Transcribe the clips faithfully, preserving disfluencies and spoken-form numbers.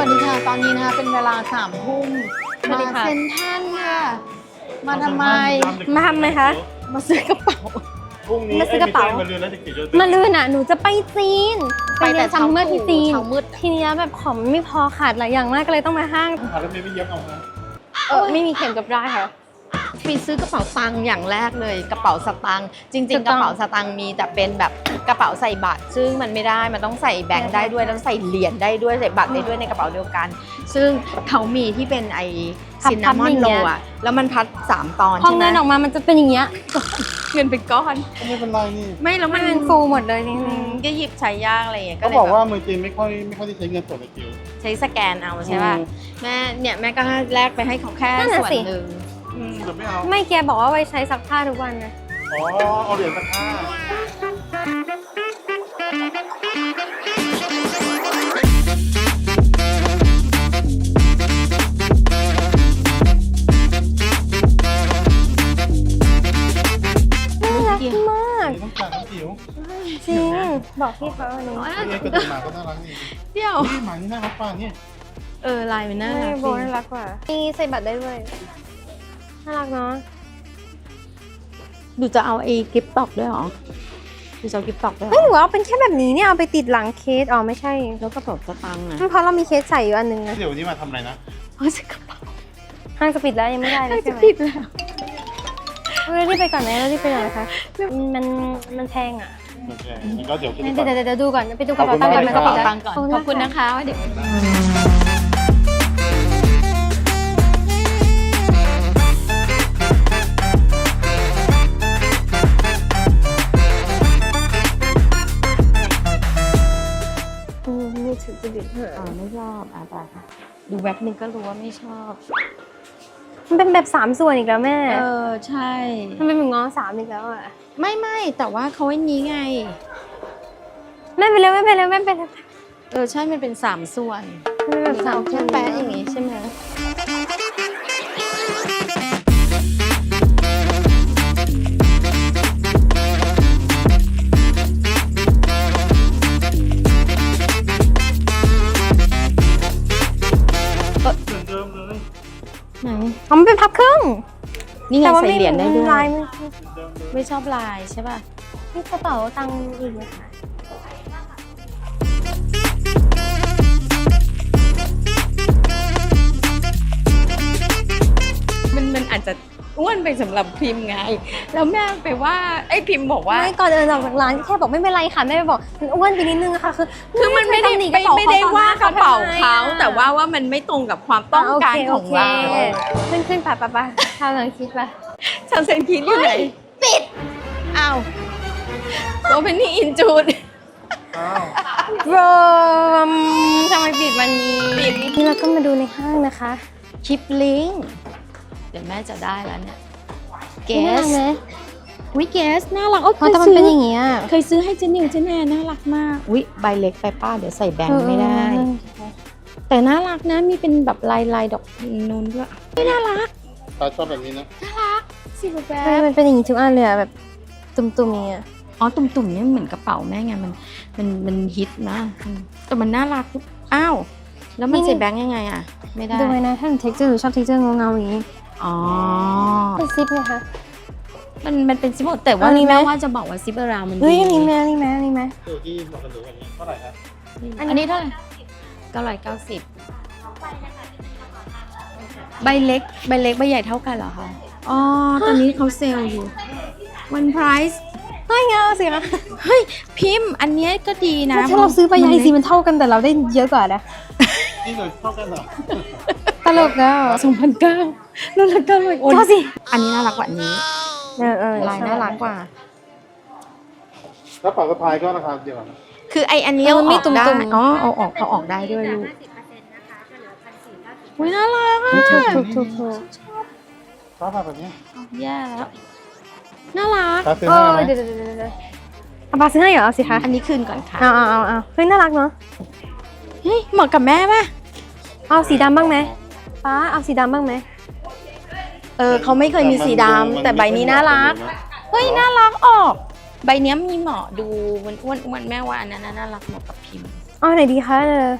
วัสดีค่ะตอนนี้นะคะเป็นเวลาสามทุ่มมาเซ็นทรัลค่ะมาทำไมมาทำไมคะมาซื้อกระเป๋าพรุ่งนี้มาซื้อกระเป๋ามาเรือนแล้วเด็กๆมาลืนอ่ะหนูจะไปจีนไปแต่ซัมเมอร์ที่จีนเช้ามืดทีนี้แบบของไม่พอขาดหลายอย่างมากก็เลยต้องมาห้างหาแล้วไม่เย็บเอานะเออไม่มีเข็มกับได้ค่ะไปซื้อกระเป๋าตังค์อย่างแรกเลยกระเป๋าสตางค์จริงๆกระเป๋าสตางค์มีแต่เป็นแบบกระเป๋าใส่บัตรซึ่งมันไม่ได้มันต้องใส่แบงค์ได้ด้วยต้องใส่เหรียญได้ด้วยใส่บัตรได้ด้วยในกระเป๋าเดียวกัน ซึ่งเขามีที่เป็นไอซินนามอนโรอ่ะแล้วมันพัดสามตอนพอใช่ไหมเงินออกมามันจะเป็นอย่างเงี้ยเงินเป็นก้อนไม่เป็นไรนี่ไม่แล้วมัมัน นเป็นฟูหมดเลยจริงก็หยิบใช้ยากอะไรอย่างเงี้ยก็เขาเลยบอกว่าแบบเมืองจีนไม่ค่อยไม่ค่อยได้ใช้เงินสดในจิ๋วใช้สแกนเอาใช่ป่ะแม่เนี่ยแม่ก็แลกไปให้เขาแค่ส่วนหนึ่งอืมเดี๋ยวไม่เอาๆไม่แกบอกว่าไว้ใช้ซักผ้าทุกวันนะอ๋อเอาเหรียญสักห้าน่ารักมากต้องการน้องจิ๋วจริงบอกพี่เขาวันนี้นี่กระดูกหมาก็น่ารักนี่เดี๋ยวนี่หมานี่น่ารักป่ะเนี่ยเออลายมันน่าไม่รักโบน่ารักกว่ามีใส่บัตรได้ด้วยน่ารักเนาะดูจะเอาไอ้กิฟต์ตอกด้วยเหรอดูจะเอากิฟต์ตอกด้วยเหรเฮ้ยอหรือว่าเป็นแค่แบบนี้เนี่ยเอาไปติดหลังเคสอ๋อไม่ใช่แล้วกระเป๋าสตางค์อ่ะเพราะเรามีเคสใส่อยู่อันนึงนะเดี๋ยววันนี้มาทำอะไรนะเพราะจะกระเป๋าห้างจะปิดแล้วยังไม่ได้เลยใช่จะไหมผิดแล้วเรารีบไปก่อนนะเรารีบไปก่อนนะคะมันมันแพงอ่ะโอเคงั้นก็เดี๋ยวคิดงั้นก่อนเดี๋ยวเดี๋ยวดูก่อนไปดูกระเป๋าตังค์ก่อนขไปอบกคุระณเป๋ามาตักงค์ตังค์ก่อนขอบคุณนะคะว่าเดี๋ยวมือถือจะดิบเหรออ่าไม่ชอบอ่ะไปดูแว็บนึงก็รู้ว่าไม่ชอบมันเป็นแบบสามส่วนอีกแล้วแม่เออใช่มันเป็นเหมือนง้อสามอีกแล้วอ่ะไม่ไม่แต่ว่าเขาไอ้นี้ไงแม่ไปเร็วแม่ไปเร็วแม่ไปเร็วเออใช่มันเป็นสามส่วนมันเป็นแบบสามแค่แปะอย่างงี้ใช่ไหมเหมือนเดิมเลยไหนอ๋อมันเป็นพับครึ่งนี่ไงแต่ว่าใส่ไม่เหรียญได้ด้วยลายมันเหมือนเดิมเลยไม่ชอบลายใช่ป่ะนี่กระเป๋าตังค์อีกไหมคะมันมันอาจจะอ้วนไปสำหรับพิมพ์ไง แล้วแม่ไปว่าไอ้พิมพ์บอกว่าไม่ก่อนเดินออกจากร้านแค่บอกไม่เป็นไรค่ะแม่ไปบอกมันอ้วนไปนิดนึงค่ะคือคือมันไม่ได้ตำหไม่กระเป๋ไม่ได้ว่ากระเป๋าเขาทำไมอะแต่ว่าว่ามันไม่ตรงกับความต้องการของเราโอเคโอเคขึ้นขึ้นไปไปไปทำหลังคิดไปฉันเซนคิดอยู่ไหนปิดอ้าวโอเพนนี่อินจูดอ้าวโรมทำไมปิดวันนี้ปิดนี่เราก็มาดูในห้างนะคะชิปลิงเดี๋ยวแม่จะได้แล้วเนี่ยเกน่ารัสกไหมวิเกสน่ารักโอ้เพราะแต่มันเป็นอย่างเงี้ยเคยซื้อให้เจนิวเจแนน่ารักมากวิใบเล็กไปป้าเดี๋ยวใส่แบงค์ไม่ได้ แต่น่ารักนะมีเป็นแบบลายลายดอกนูนด้วยไม่น่ารักตาชอบแบบนี้นะสิบแบเออบ มันเป็นอย่างงี้ทุกอันเลยอะแบบตุ่มๆอย่างเงี้ยอ๋อตุ่มๆเนี่ยเหมือนกระเป๋าแม่ไงมันมันมันฮิตนะอืมแต่มันน่ารักอ้าวแล้วมันใส่แบงค์ยังไงอ่ะไม่ได้ดูไว้นะถ้าหนูเท็กเจอร์หนูชอบเท็กเจอร์เงาๆอย่างงี้อ๋อเป็นซิปไงคะมันมันเป็นซิปแต่ว่าอันนี้ไหมแม่ว่าจะบอกว่าซิปอราวมันเฮ้ยดีอันนี้แม่อันนี้แม่อันนี้แม่ตัวที่เรากันดูกันนี้เท่าไหร่ครับอันนี้เท่าไหร่เก้าร้อยเก้าสิบใบเล็กใบเล็กใบใหญ่เท่ากันเหรอคะอ๋อตอนนี้เขาเซลล์อยู่วันไพรส์เฮ้ยเงาสิคะเฮ้ยพิมพ์อันเนี้ยก็ดีนะถ้าเราซื้อไปใหญ่สิมันเท่ากันแต่เราได้เยอะกว่านะนี่เลยเท่ากันเหรอตลกอ่ะสองพันเก้าน่ารักเก้าเลยโอ้ยเท่าสิอันนี้น่ารักกว่าอันนี้เออเออลายน่ารักกว่าแล้วเป๋าสะพายก็ราคาเดียวกันนะคือไออันนี้เอาออกได้อ๋อเอาออกเอาออกได้ด้วยลูกอุ้ยน่ารักอ่ะถูกถูกถูกถูกชอบแบบนี้แย่แล้วน่ารักตาซื้อเอให้อไหมเดี๋ยวเดี๋ยวเดี๋ยวเดี๋ยวเอาปลาซื้อให้เหรอเอาสิคะอันนี้คืนก่อนค่ะเอาเอาเอาเอาเฮ้ยน่ารักเนาะเฮ้ยเหมาะกับแม่ป่ะเอาสีดำบ้างไหมป้าเอาสีดำบ้างไหมเออเขาไม่เคยมีสีดำแต่ใบนี้น่ารักเฮ้ยน่ารักออก ใบเนี้ยมีเหมาะดูมันอ้วนอ้วนๆแม่ว่าอันนั้นน่ารักเหมาะกับพิมพ์เอาไหนดีคะเออ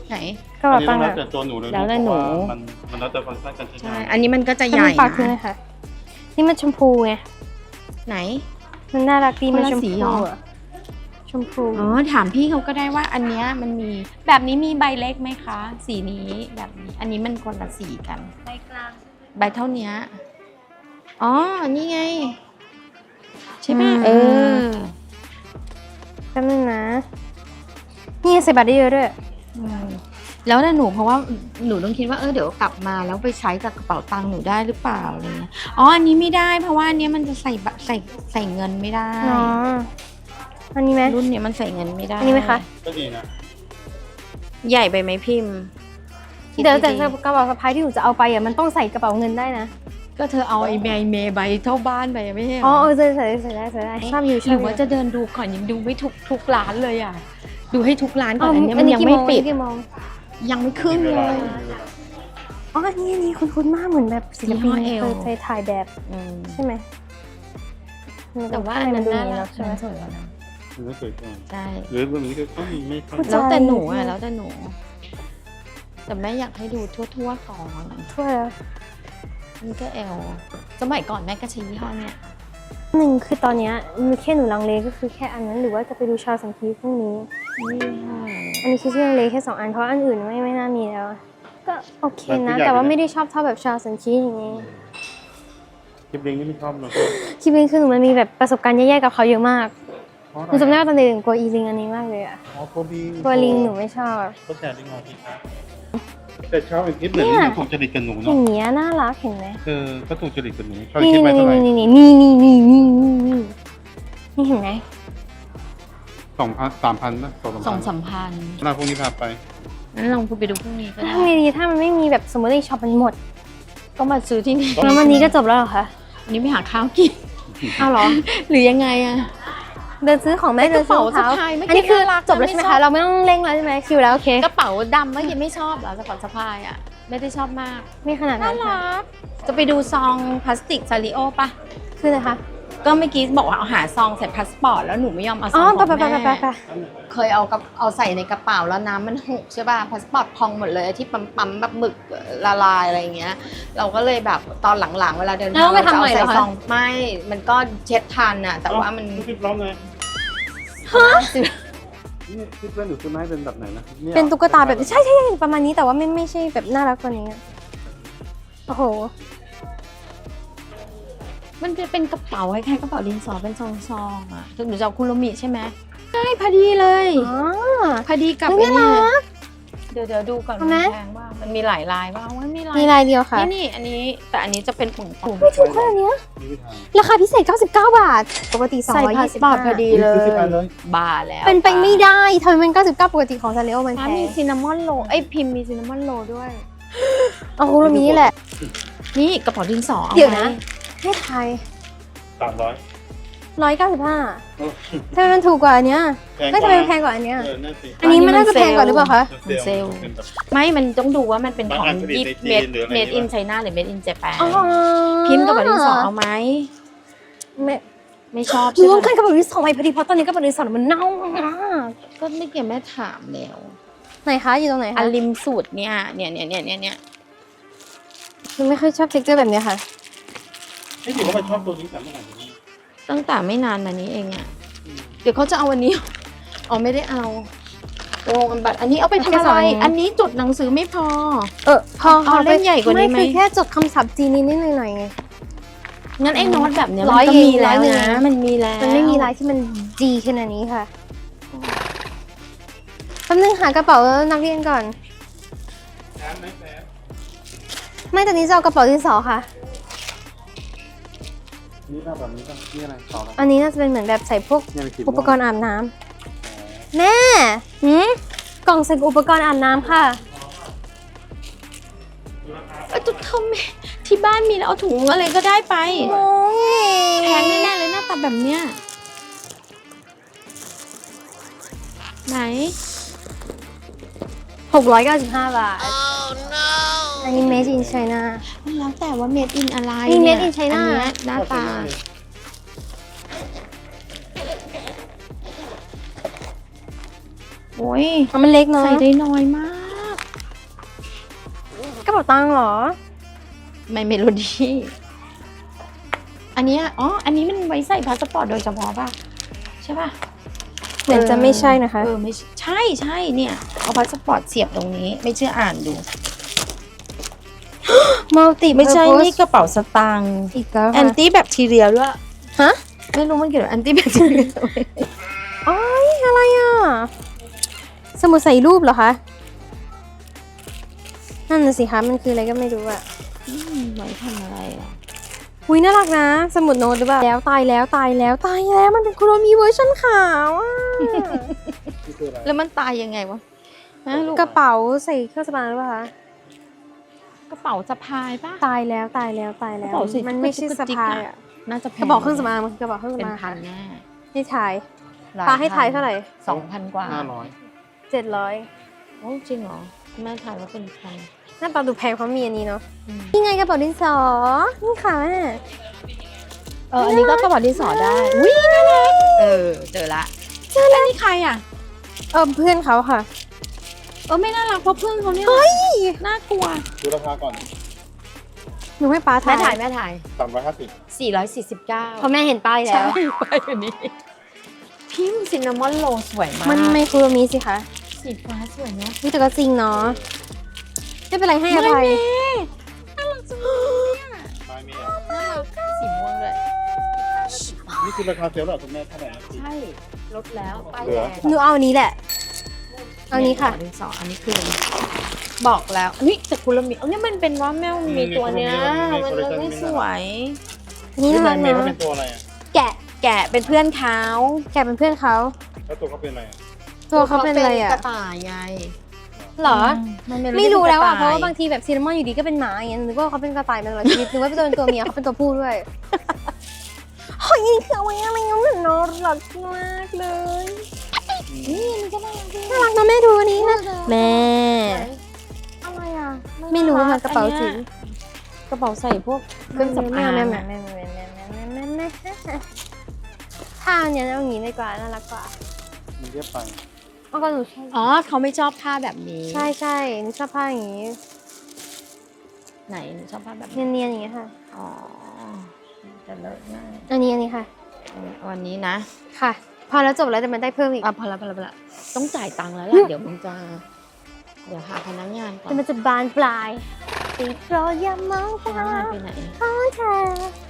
ไหนกระอัเป๋านนี้ตัต้อง งแล้วค์อะแต่ตัวหนูเลยแล้วแต่หนูเพราะว่ามันมันแล้วแต่ฟังก์ชันการใช้ใช่งานอันนี้มันก็จะใหจะญ่มีปากคือนะเลยค่ะ นี่มันชมพูไงไหนมันน่ารักดีคนมันละชมสีพูเหรออะชมพูอ๋อถามพี่เขาก็ได้ว่าอันเนี้ยมันมีแบบนี้มีใบเล็กไหมคะ สีนี้แบบนี้ อันนี้มันคนละสีกันใบกลางใบเท่าเนี้ยอ๋อนี่ไง ใช่ไหมเออแป๊บนึงนะ นี่ใส่บัตรได้เยอะด้วยอืมแล้วนะหนูเพราะว่าหนูต้องคิดว่าเออเดี๋ยวกลับมาแล้วไปใช้กับกระเป๋าตังค์หนูได้หรือเปล่าอะไรเงี้ยอ๋ออันนี้ไม่ได้เพราะว่าอันเนี้ยมันจะใส่บะใส่ใส่เงินไม่ได้อ๋อ อันนี้ไหมรุ่นเนี้ยมันใส่เงินไม่ได้อันนี้ไหมคะก็ดีนะใหญ่ไปไหมพิมพ์คิเดี๋ยวแต่ดีๆกระเป๋าสะพายที่หนูจะเอาไปอ่ะมันต้องใส่กระเป๋าเงินได้นะก็เธอเอาไอ้เมย์เมย์ใบเท่าบ้านไปไม่ใช่เหรอ๋ออเออใส่ใส่ใส่ได้ใส่ได้ชอบอยู่ชหอรืบออยู่ว่าจะเดินดูก่อนยังดูไม่ทุกทุกร้านเลยอ่ะ ดูให้ทุกร้านก่อ๋ออนอันเนี้ยอัมัน นนี้ยังกี่ไม่โมงปิดกี่โมงยังไม่ขึ้นเลยอ๋ออันนี้อันนี้คุ้นๆมากเหมือนแบบศิลปินยี่ห้อเคเอลยถ่ายแบบอืมใช่ไหมแต่ว่าอันนั้นดูน่าอย่างรัเนาะกใช่ไหมมันสวยกว่านะมันก็สวยกว่าใช่หรือแบบนี้ก็ต้องมีไม่ค่อยเข้าใจแล้วแต่หนูอ่ะแล้วแต่หนู แต่แม่อยากให้ดูทั่วๆก่อนทั่วแล้วนี่ก็เอลสมัยก่อนแม่ก็ใช้ยี่ห้อเนี้ยหนึ่งคือตอนเนี้ยมีแค่หนูลังเลก็คือแค่อันนั้นหรือว่าจะไปดูชาวสังคีพรุ่งนี้นี่ห้ออันนี้คือที่ลังเลแค่สองอันเพราะอันอื่นไม่ไม่น่ามีแล้ว ก็โอเคนะ แต่ว่าไม่ได้ชอบเท่าแบบชาวสังคีอย่างนี้คลิปเล้งนี่ไม่ชอบเนอะคิดเป็นคือหนูมันมีแบบประสบการณ์แย่ๆกับเขาเยอะมากเพราะอะหนูจำไรได้ว่าตอนเด็กหนูกลัวอีลิงอันนี้มากเลยอะอ๋อโคบีกลัวลิงหนูไม่ชอบก็แต่ลิงงอที่ครับแต่ชอบไอ้คลิปเหมือนเนี่ยที่ถูกจริตกับหนูอเนาะย่างเงี้ยน่ารักเห็นไหมเออก็ถูกจริตกับหนูชอบนี่คลิปไปนี่เท่าไหร่นี่นี่นี่นี่นี่นี่นี่นี่นี่เห็นไหมสองพันสามพันนะสองสองสาสาม มพันหน้าพวกนี้พาไปงั้นลองไปดูพรุ่งนี้ก็ได้ทำไงดีถ้ามันไม่มีแบบสมมติในช็อปมันหมดก็มาซื้อที่นี่แล้ววันนี้ก็จบแล้วเหรอคะวันนี้ไปหาข้าวกินเอาเหรอหรือยังไงอะเดินซื้อของแม่เดินซื้อรองเท้ากระเป๋าสะพายไม่อันนี้คือน่ารักนะจบแล้วใช่ไหมไม่ชอคะบเราไม่ต้องเร่งแล้วใช่ไหมคิวแล้วโอเคกระเป๋าดำเมื่อกี้ไม่ชอบเหรอกระเป๋าสะพายอะไม่ได้ชอบมากไม่ขนาดน่านั้นค่ะรักจะไปดูซองพลาสติกซาริโอปะคืออะไรคะก็เมื่อกี้บอกว่าเอาหาซองใส่พาสปอร์ตแล้วหนูไม่ยอมเอาซอ๋อองของไปไปไปไปแม่ไปเคยเอากับเอาใส่ในกระเป๋าแล้วน้ำมันหกใช่ป่ะพาสปอร์ตพองหมดเลยที่ปั๊มปั๊มๆแบบหมึกละลายอะไรอย่างเงี้ย เราก็เลยแบบตอนหลังๆเวลาเดินแล้วไปทำใหม่เหรอจะเอาใส่คะซองไม่มันก็เช็ดทันอะแต่ว่ามันคลิปร้องเลยฮะนี่คลิปเล่นหนูซื้อไม้เป็นแบบไหนนะยเป็นตุ๊กตาแบบใช่ใช่ประมาณนี้แต่ว่าไม่ไม่ใช่แบบน่ารักกว่านี้อะโอ้โหมันจะเป็นกระเป๋าคล้ายๆกระเป๋าดินสอเป็นซองๆอะหนูจะเอาคุโรมิใช่ไหมใช่พอดีเลยอ๋อพอดีกับเฮ้ไอ้ยนี่น่ารักเดี๋ยวเดี๋ยวดูก่อนเอาไหมมันแพงว่ามันมีหลายลายว่าว่าไม่ลายมีลายเดียวค่ะนี่นี่อันนี้แต่อันนี้จะเป็นผงผงไม่ถูกขนาดเนี้ยนี่ไม่ทางราคาพิเศษเก้าสิบเก้าบาท ปกติสองใส่ร้อยพายี่สสิบปอร์ตพอดีเลซื้อสิบอันเลย ยบาแล้วเป็นไปไม่ได้ทำไมมันเก้าสิบเก้าปกติของซาเรโอมันแพอ่ะมีงซินนามอนโรลไอยพิมพ์มีซินนามอนโรลด้วยเอาคุโรมินี่แหละนี่กระเป๋าดินสออาเดี๋ยวนะไหมให้ไทยสามร้อยร้อยเก้าสิบห้าทำไมมันถูกกว่าอันเนี้ยแพงกไม่ว่าทำไมมันแพงกว่าอันเนี้ยเออนั่นสิอันนี้มันน่าจะแพงกว่าหรือเปล่าคะมันเซลล์เป็นแบบไม่มันต้องดูว่ามันเป็นของบางอันผลิตยิปในจีนเมดหรืออะไรเมดอินวะไชน่าหรือเมดอินเจแปนอ๋อพิมพ์กระเป๋าดินสอเอาไหมไม่ไม่ชอบหนูใช่ต้องไหมการกระเป๋าดินสอใหม่พอดีเพราะตอนนี้กระเป๋าดินสอมันเน่ามากก็ไม่เกี่ยวแม่ถามแล้วไหนคะอยู่ตรงไหนอัคะนริมสูตรเนี่ยเนี่ยเนี่ยเนี่ยเนี่ยเนี่ยหนูไม่ค่อยชอบเท็กเจอร์แบบเนี้ยค่ะนี่ถือว่ามันชอบตัวนี้แต่เมื่อไหร่นี้ตั้งแต่ไม่นานมานี้เองอะเดี๋ยวเขาจะเอาวันนี้ อ๋อไม่ได้เอาโอ้บัตรอันนี้เอาไปทำแค่อะสอไรงอันอันนี้จดหนังสือไม่พอเออพอเอาเล่มใหญ่กว่านี้ไหมไม่คือแค่จดคำศัพท์จีนนิดๆหน่อยๆไงงั้นไอ้โน้ตแบบเนี้ยร้มัอยนก็มีแล้วเองร้อยหนึ่งนะมันมีแล้วมันไม่มีลายที่มันจีขนาดนี้ค่ะแป๊บนึงหากระเป๋านักเรียนก่อนแซมไหมแซมไม่แต่นี้จะเอากระเป๋าดินสอค่ะนี่แบบแบบนี้ป่ะนี่อะไรต่อแล้วอันนี้น่าจะเป็นเหมือนแบบใส่พวกเนี่ยเป็นคลิปอุปกรณ์อาบน้ำแม่หืมกล่องใส่อุปกรณ์อาบน้ำค่ะเออจะทำไมที่บ้านมีแล้วเอาถุงอะไรก็ได้ไปโอ้ยแพงแน่ๆเลยหน้าตาแบบเนี้ยไหนหกร้อยเก้าสิบห้าบาท อันนี้ made in China แล้วแต่ว่าเมดอินอะไรนี่เนี่ย made in China อันเนี้ยหน้าตาโอ้ยมันเล็กเนาะใส่ได้น้อยมากระเป๋าตังค์เหรอไม่เมโลดี้อันเนี้ยอ๋ออันนี้มันไว้ใส่พาสปอร์ตโดยเฉพาะป่ะใช่ป่ะเหมือนจะไม่ใช่นะคะเออไม่ใช่ใช่เนี่ยเอาพาสปอร์ตเสียบตรงนี้ไม่เชื่ออ่านดูมัลติไม่ใช่นี่กระเป๋าสตางค์อีกแล้วแอนตี้แบคทีเรียด้วยฮะไม่รู้มันเกี่ยวกับแอนตี้แบคทีเรียอ๋ออะไรอ่ะ สมุดใส่รูปเหรอคะ นั่นน่ะสิคะ มันคืออะไรก็ไม่รู้อ่ะไว้ทำอะไรอ่ะอุ้ยน่ารักนะ สมุดโน้ตหรือเปล่า แล้วตายแล้วตายแล้วตายแล้วมันเป็นคุโรมิเวอร์ชันขาวอ่ะนี่คืออะไรแล้วมันตายยังไงวะฮะลูกระเป๋าใส่เครื่องสำอางหรือเปล่าคะกระเป๋าสะพายป่ะตายแล้วตายแล้วตายแล้กวระเป๋าสีมันไม่ใช่สะพายอ่ะน่าจะแพกระเป๋าเครื่องสำอางมันคือกระเป๋าเครื่องเป็นสำอางพันแน่ให้ถ่ายลปาให้ถ่ายเท่าไหร่สองพันกว่าห้าร้อยเจ็ดร้อยโอ้จริงเหรอแม่ถ่ายว่าเป็นพันหน้าตาดูแพงเพราะมีอันนี้เนาะอืมนี่ไงกระเป๋าดินสอ นี่ค่ะแม่เอออันนี้ก็กระเป๋าดินสอได้อุ้ยน่ารักเออเจอละเจอแล้วนี่ใครอ่ะเออเพื่อนเขาค่ะเออไม่น่ารักเพราะเพื่อนเขาเนี่ยน่ากลัวดูราคาก่อนหนูให้ป้าแม่ถ่าถ่าย ยแม่ถ่ายสามร้อยห้าสิบสี่ร้อยสี่สิบเก้าเพราะแม่เห็นป้ายแล้วไปอันนี้พิมพ์ซินนามอนโรลสวยมากมันไม่คุโรมิสิคะสีฟ้าสวยเนาะนี่แต่ก็จริงเนาะไม่เป็นไรให้อภัยน่ารักจังเลยอะไม้เมียน่ารักสีม่วงเลยนี่คือราคาเซลล์เหรอคุณแม่เท่าไหร่นะพี่ใช่ลดแล้วป้ายเหลืแดองหนูเอาอันนี้แหละ เอานี้ค่ะดินสออันนี้คือ บอกแล้วนี่แต่คุณละมีเอาเนี่ยมันเป็นว่าแมวมีตัวเนี้ยมันเลยไม่สวยนี่นี่น่าไม้รักเมียเขานะเป็นตัวอะไรอ่ะแกะแกะเป็นเพื่อนเขาแกะเป็นเพื่อนเขาแล้วตัวเขาเป็นอะไรอ่ะตัวเขาเป็นอะไรอ่ะกระต่ายไงเหรอมันไม่รู้แล้วอ่ะ เพป็นราะกว่าต่ยบางทีแบบซีนามอนอยู่ดีก็เป็นหมาอย่างเงี้ยนึกว่าเขาเป็นกระต่ายมาตลอดชีวิตนึกว่าเป็นตัวเป็นตัวเมียเขาเป็นตัวผู้ด้วยเฮ้ยนี่คือเอาไว้อะไรเงี้ยมันน่ารักมากเลยนี่มันก็น่ารักดีน่ารักนะแม่ดูอันนี้นะแม่อะไรอ่ะไม่รู้ค่ะกระเป๋าจิ๋วกระเป๋าใส่พวกเครื่องสำอางแม่แม่แม่แม่แม่แม่แม่แม่แม่แม่ถ้าอันเนี้ยเอาอย่างนี้ดีกว่าน่ารักกว่ามันเรียบไปอ๋อก็หนูชอบอ๋อเขาไม่ชอบผ้าแบบนี้ใช่ใช่หนูชอบผ้าอย่างนี้ไหนหนูชอบผ้าแบบเนียนๆอย่างเงี้ยค่ะอ๋อจะเลิศมากอันนี้อันนี้ค่ะวันนี้นะค่ะ พอแล้วจบแล้วแต่มันได้เพิ่มอีกอ่ะพอละพอละพอละต้องจ่ายตังค์แล้วล่ะ เดี๋ยวมึงจะ เดี๋ยวหาพนักงานก่อนแต่มันจะบานปลายติดรอยามองพนักงานไปไหนของเธอ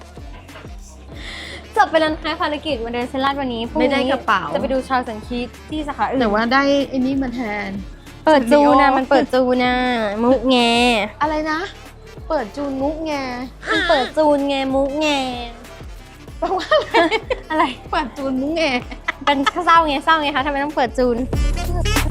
จบไปแล้วนะคะภารกิจวันเดินเซนลาดวันนี้พรุ่งไม่นี้ได้กระเป๋าจะไปดูชาวสังคีตที่สาขาอื่นแต่ว่าได้ไอ้นี่มาแทนเปิดจูนะ Studio มันเปิดจูนะมุกแงอะไรนะ เปิดจูนุกไงมันเปิดจูนไงมุกแงแปลว่าอะไรอะไรเปิดจูนุกไงเป็นเศร้าไงเศร้าไงคะทำไมต้องเปิดจูน